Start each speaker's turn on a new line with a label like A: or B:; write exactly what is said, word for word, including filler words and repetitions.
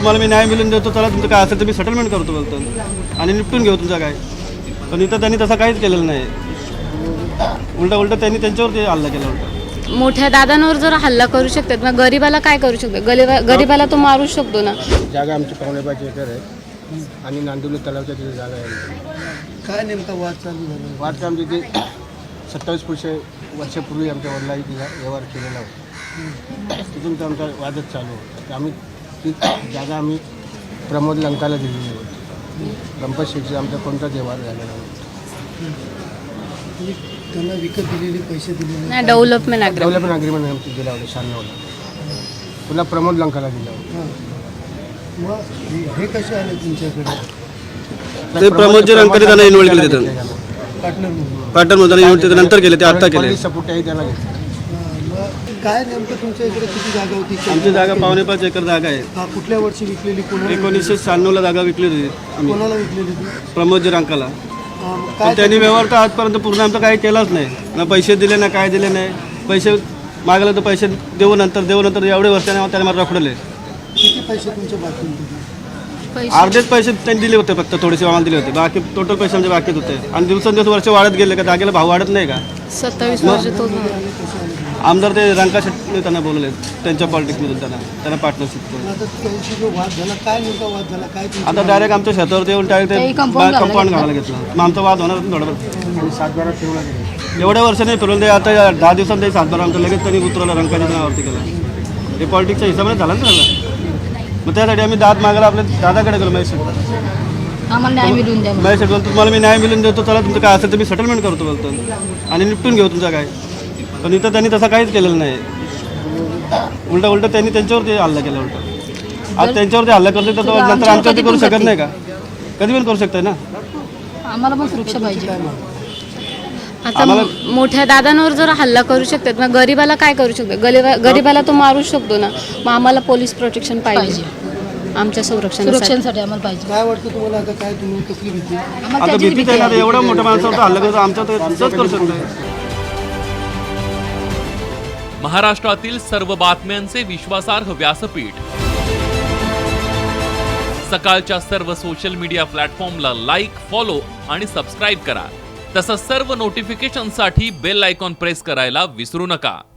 A: तुम्हाला मी न्याय मिळून देतो, चला तुमचं काय असेल तर मी सेटलमेंट करतो बोलतो आणि निपटून घेऊ तुमचं काय. पण इथं त्यांनी तसं काहीच केलेलं नाही. उलटा उलटा त्यांनी त्यांच्यावरती हल्ला केला. उलटा
B: मोठ्या दादांवर जर हल्ला करू शकतात मग गरीबाला काय करू शकतो? गरीबा गरीबाला तो मारू शकतो ना.
C: जागा आमची पावणे पाच एकर आहे आणि नांदिवली तलावच्या तिथे जागा आहे.
D: काय नेमका वाद चालू झाला?
C: वाद का आमच्या इथे सत्तावीस पुरुषे वर्षापूर्वी आमच्या वडिलांनी तिला व्यवहार केलेला होता. तिथून तर आमचा वादच चालू होता. आम्ही ती जागा आम्ही प्रमोद लंकाला दिलेली होती. गणपत शेठचा आमचा कोणताच व्यवहार झालेला नव्हता.
D: त्यांना विकत दिलेले पैसे दिलेले
B: नाही, डेव्हलपमेंट अग्रीमेंट
C: डेव्हलपमेंट अग्रीमेंट आमची दिला होता शहाण्णवला. पुन्हा प्रमोद लंकाला दिला होता.
D: हां. मग हे- हे कसे आले तुमच्याकडे?
A: ते प्रमोदजी रंकाने त्यांना इन्व्हॉल्व केले तिथं.
D: पार्टनर म्हणून?
A: पार्टनर मध्ये इन्व्हॉल्व केले, नंतर केले ते आत्ता केले.
C: सपोर्टही त्याला घेतला.
D: हां. मग काय नेमकं तुमच्या इकडे किती जागा होती?
A: आमची जागा पावणे पाच एकर जागा आहे.
D: हां, कुठल्या वर्षी विकलेली? कोणाला
A: एकोणीसशे शहाण्णवला जागा विकली होती आम्ही
D: कोणाला विकलेली ती?
A: प्रमोदजी रंकाला.
D: हां, मग
A: पण
D: काय
A: त्यांनी व्यवहार तर आजपर्यंत पूर्ण आमचा काही केलाच नाही. ना पैसे दिले ना काय दिले नाही. पैसे मागले तर पैसे देऊ नंतर देऊ नंतर एवढे वर्षाने त्याने मला रखडले.
D: किती पैसे तुमच्या बाकी होते?
B: पैसे
A: अर्धेच पैसे त्यांनी दिले होते, फक्त थोडेसे आम्हाला दिले होते. बाकी टोटल पैसे आमचे बाकीच होते. आणि दिवसेंदिवस वर्ष वाढत गेले का जागेला भाव वाढत नाही का.
B: सत्तावीस वर्ष तो
A: आमदार ते रंका शेट्टी त्यांना बोलवले त्यांच्या पॉलिटिक्समधून त्यांना त्यांना पार्टनरशिप करून.
D: आता त्यांची जो वाद झाला, काय नेमका वाद झाला? काय तुमची
A: आता डायरेक्ट आमच्या शेतावरती येऊन डायरेक्ट
B: ते
A: ते
B: compound
A: कंपाऊंड घालायला घेतलं. मग आमचा वाद होणार थोडं.
C: आणि सातबारा फिरवला गेला.
A: एवढ्या वर्षाने फिरवून ते आता या दहा दिवसांत ते सातबारा आमचं लगेच त्यांनी उतरवलं रंकाच्या नावावरती केलं. हे पॉलिटिक्सच्या हिसाबाने झालं ना सगळं. मग त्यासाठी आम्ही दाद मागायला आपल्या दादाकडे गेलो. महेश शेट्टी
B: आम्हाला न्याय मिळवून द्या.
A: महेश शेट्टी बोलतो, तुम्हाला मी न्याय मिळून देतो, चला तुमचं काय असेल तर मी सेटलमेंट करतो बोलतो आणि निपटून घेऊ तुमचं काय. पण इथं त्यांनी तसं काहीच केलेलं नाही. उलटा उलटा त्यांनी त्यांच्यावरती हल्ला केला. उलटा आज त्यांच्यावरती हल्ला करतो तर तो नंतर आमच्यावरती करू शकत नाही का. कधी पण करू शकताय ना.
B: आम्हाला पण सुरक्षा पाहिजे. आता मोठ्या दादांवर जर हल्ला करू शकतात मग गरीबाला काय करू शकतो? गरीबा गरीबाला तो मारू शकतो ना. मग आम्हाला पोलीस प्रोटेक्शन पाहिजे. आमच्या संरक्षणासाठी आम्हाला पाहिजे.
D: काय वाटतं तुम्हाला? आता काय तुम्ही कसली भीती?
A: आता भीतीच आहे ना. आता एवढ्या मोठ्या माणसावर हल्ला करतो आमच्या तर तसंच करू शकतो.
E: महाराष्ट्रातील सर्व बातम्यांचे विश्वासार्ह व्यासपीठ सकाळच्या सर्व सोशल मीडिया प्लॅटफॉर्मला लाईक, फॉलो आणि सबस्क्राईब करा. तसंच सर्व नोटिफिकेशनसाठी बेल आयकॉन प्रेस करायला विसरू नका.